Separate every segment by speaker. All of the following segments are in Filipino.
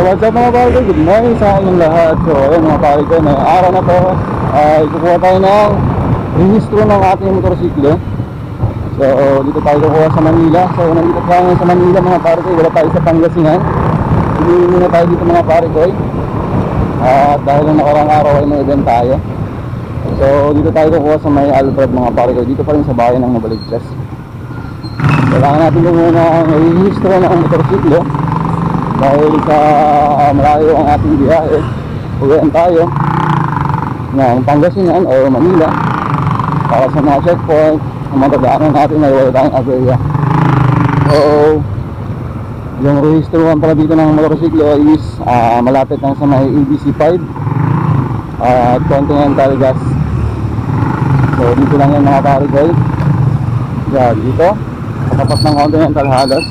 Speaker 1: what's up mga pare ko? Good morning sa inyong lahat. So ayun mga pare ko, na araw na to ay kukuha tayo ng rehistro ng ating motorsiklo. So dito tayo kukuha sa Manila. So nandito tayo sa Manila mga pare ko, wala tayo sa Pangasinan. Piliin muna tayo dito mga pare ko. At dahil ng nakarang araw ay may event tayo. So dito tayo kukuha sa may Alfred mga pare ko, dito pa rin sa bayan ng Novaliches. Kailangan natin muna ang rehistro ng motorsiklo dahil sa malayo ang ating biyahe. Uwian tayo ng Pangasinan o Manila para sa mga checkpoint ang matadaanan natin na wala tayong aberya. So yung rehistrohan pala dito ng motorsiklo is malapit lang sa may ABC 5 at Continental Gas. So dito lang yung mga pare-goy. Yan, dito katapat ng Continental halos.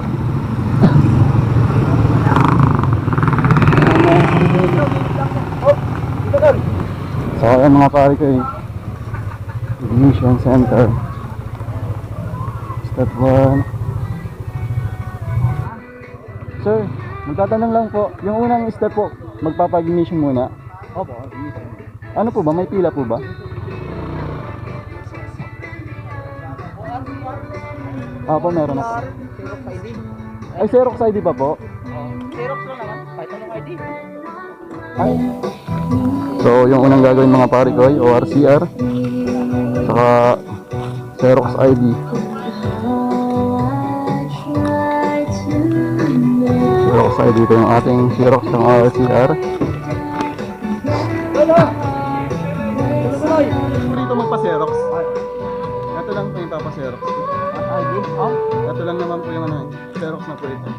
Speaker 1: So ayan mga pare ko, ignition center step 1. Sir, magtatanong lang po, yung unang step po, magpapag-ignition muna.
Speaker 2: Opo, ignition.
Speaker 1: Ano po ba? May pila po ba? Opo, meron na po.
Speaker 2: Xerox ID.
Speaker 1: Ay, Xerox ID pa po?
Speaker 2: Xerox lang naman, kahit anong ID.
Speaker 1: Ay. So, yung unang gagawin mga pare ko ay ORCR saka Xerox ID. Xerox ID, ito yung ating Xerox ng ORCR. Dito magpa-Xerox. Ito lang po yung papa-Xerox.
Speaker 2: ID? Oh?
Speaker 1: Ito lang naman po yung ano, Xerox na po ito.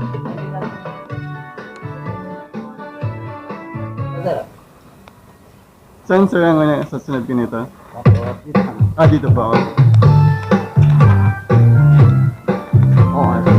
Speaker 1: Sensor ang sa sunod ko nito. Dito pa ako.
Speaker 2: Oo, ano?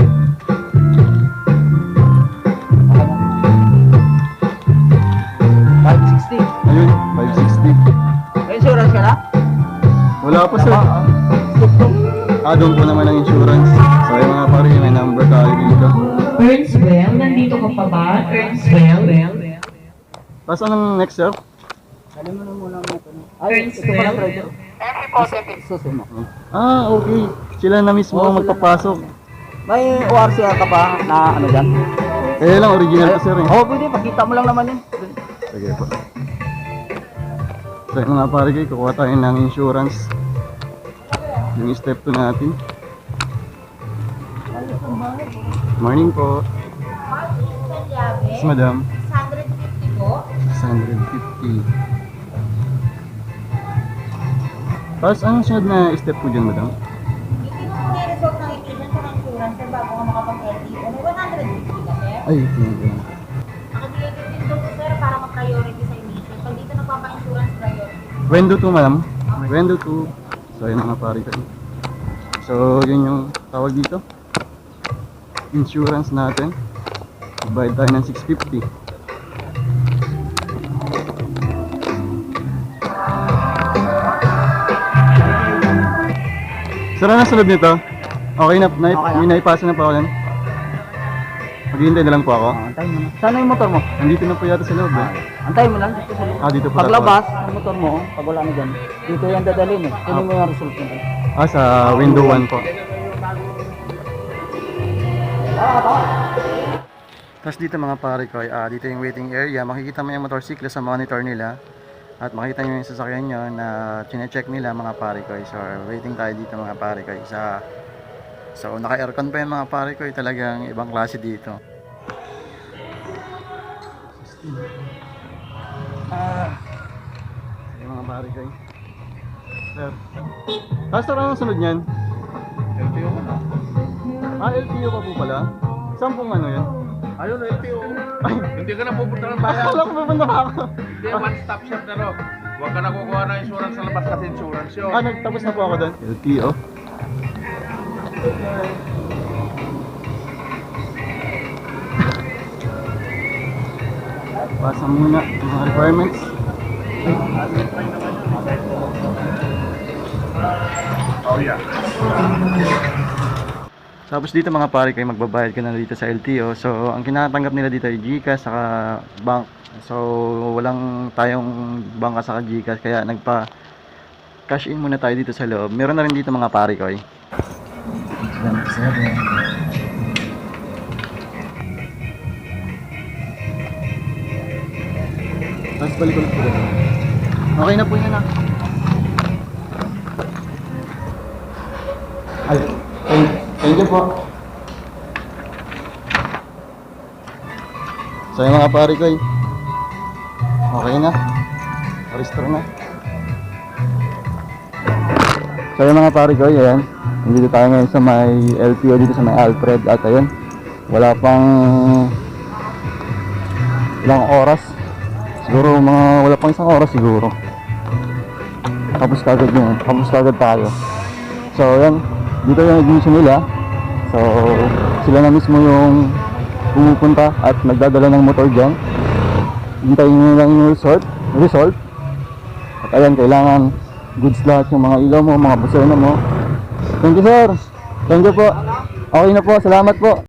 Speaker 1: Ayun, 560.
Speaker 2: May insurance ka na?
Speaker 1: Wala pa sir. Doon po naman ang insurance. So yung mga pare, may number tayo dito.
Speaker 3: Earnswell, nandito ka pa ba? Earnswell?
Speaker 1: Tapos anong next sir?
Speaker 2: Alam mo na muna mo ito. Ay, ito pala treasure. Susunod.
Speaker 1: Okay. Sila na mismo ang magpapasok.
Speaker 2: May ORCR ka pa na ano dyan?
Speaker 1: Eh lang, original to sir eh.
Speaker 2: Oo, pwede. Pakita mo lang naman yun.
Speaker 1: Sige po. So yung mga pare kayo, kukuha tayo ng insurance. Yung step 2 natin. Morning po. Yes, madam.
Speaker 4: 650 po.
Speaker 1: 650. Tapos anong sunod na step po dyan, madam?
Speaker 4: Hindi mo muna i-result ng ignition sa insurance sir bago ka makapag-LTO. May 150 ka sir.
Speaker 1: Ay, okay.
Speaker 4: Nakabigay ka din doon sir para ma-priority sa ignition. Pag dito nagpapa-insurance priority.
Speaker 1: Wendo 2, madam. Wendo 2. So yun mga pare kayo. So yun yung tawag dito. Insurance natin. Bayad tayo ng 650. Sara na sa loob nito. Okay na,
Speaker 2: Okay na.
Speaker 1: may naipasa na pa ako yan. Maghihintay na lang po ako.
Speaker 2: Antayin mo na. Sana yung motor mo?
Speaker 1: Nandito na po yata sa loob eh.
Speaker 2: Antayin mo lang. Dito sa loob.
Speaker 1: Dito po.
Speaker 2: Paglabas ng motor mo, pag wala na dyan, dito yan dadalhin eh. Kunin mo yung result mo.
Speaker 1: Sa window 1 po. Tapos dito mga pare ko, dito yung waiting area. Makikita mo yung motorsiklo sa monitor nila. At makita nyo yung sasakyan nyo na chine-check nila mga pare ko. So waiting tayo dito mga pare ko. So naka-aircon pa yung mga pare ko. Talagang ibang klase dito. Yung mga pare ko. Sir. Tapos anong sunod nyan?
Speaker 2: LTO ka na.
Speaker 1: LTO ka po pala? Saan pong ano yan?
Speaker 2: Ayun, LTO.
Speaker 1: Ay,
Speaker 2: Hindi ka na pupunta ng bayan.
Speaker 1: akala ko pupunta pa ako.
Speaker 2: Hindi, one-stop shop na ro. Huwag ka na kukuha ng insurance sa labas kasi insurance yun.
Speaker 1: Nagtapos na po ako doon. LTO. Pasa muna yung mga requirements.
Speaker 2: Oh yeah.
Speaker 1: Tapos dito mga pare kayo, magbabayad ka na dito sa LTO. So ang kinatanggap nila dito ay GCash saka bank. So walang tayong bangka saka GCash, kaya nagpa cash in muna tayo dito sa loob. Meron na rin dito mga pare ko. Tapos balik ulit po. Okay na po yan ah. Ay, thank you po. So yung mga pare ko, okay na. Restore na. So yung mga pare ko, yan. Nandito tayo ngayon sa may LTO dito sa may Alfred. At ayun, wala pang ilang oras. Siguro wala pang isang oras siguro. Tapos kagad yun. Tapos kagad tayo. So yan, dito yung ignition nila. So sila na mismo yung pumupunta at nagdadala ng motor dyan. Hintayin nyo lang yung result. At ayan, kailangan goods lahat yung mga ilaw mo, mga busena mo. Thank you sir. Thank you po. Okay na po, salamat po.